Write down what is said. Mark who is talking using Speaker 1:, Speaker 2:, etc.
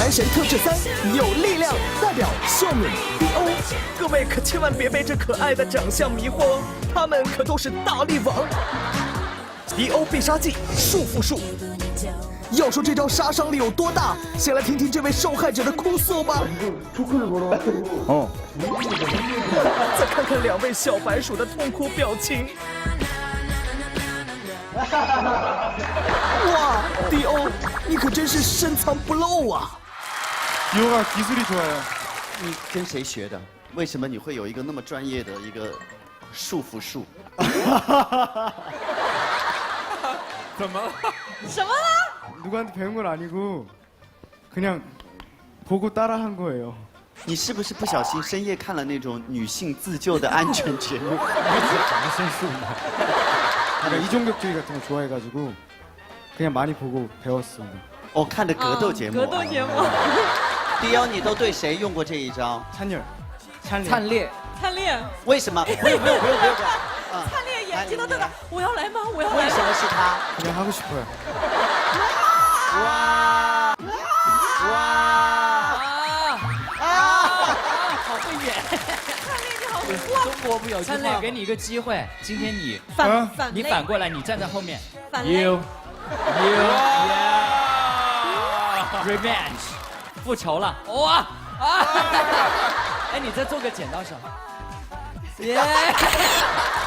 Speaker 1: 男神特质3，有力量，代表秀敏 DO。各位可千万别被这可爱的长相迷惑，他们可都是大力王。DO 必杀技束缚术。要说这招杀伤力有多大，先来听听这位受害者的哭诉吧。
Speaker 2: 哦。
Speaker 1: 再看看2位小白鼠的痛苦表情。哇 ，DO， 你可真是深藏不露啊！
Speaker 2: DO가 기술이 좋아요。
Speaker 3: 你跟谁学的？为什么你会有一个那么专业的一个束缚术？
Speaker 2: 怎么了？
Speaker 4: 什么了？
Speaker 2: 누구한테 배운 건 아니고 그냥 보고 따라한 거예요.
Speaker 3: 你是不是不小心深夜看了那种女性自救的安全节目？
Speaker 2: 제가 이종격투기 같은 거 좋아해가지고 그냥 많이 보고 배웠습니다.
Speaker 3: 哦，看的格斗节目。
Speaker 4: 格斗节目。
Speaker 3: DO， 你都对谁用过这一招？
Speaker 2: 찬열, 찬리.
Speaker 5: 灿烈，
Speaker 4: 灿烈，
Speaker 3: 为什么？不用。
Speaker 4: 灿烈眼睛都瞪大，我要来吗？我要来
Speaker 3: 为什么是他？
Speaker 2: 그냥 하고 싶어요.
Speaker 5: 好会演。
Speaker 4: 灿烈你好哇！
Speaker 5: 中国不有灿烈，给你一个机会，今天你你
Speaker 4: 反
Speaker 5: 反过来，你站在后面。
Speaker 4: 反类
Speaker 5: Revenge， 复仇了，哇啊！哎，你再做个剪刀手。耶！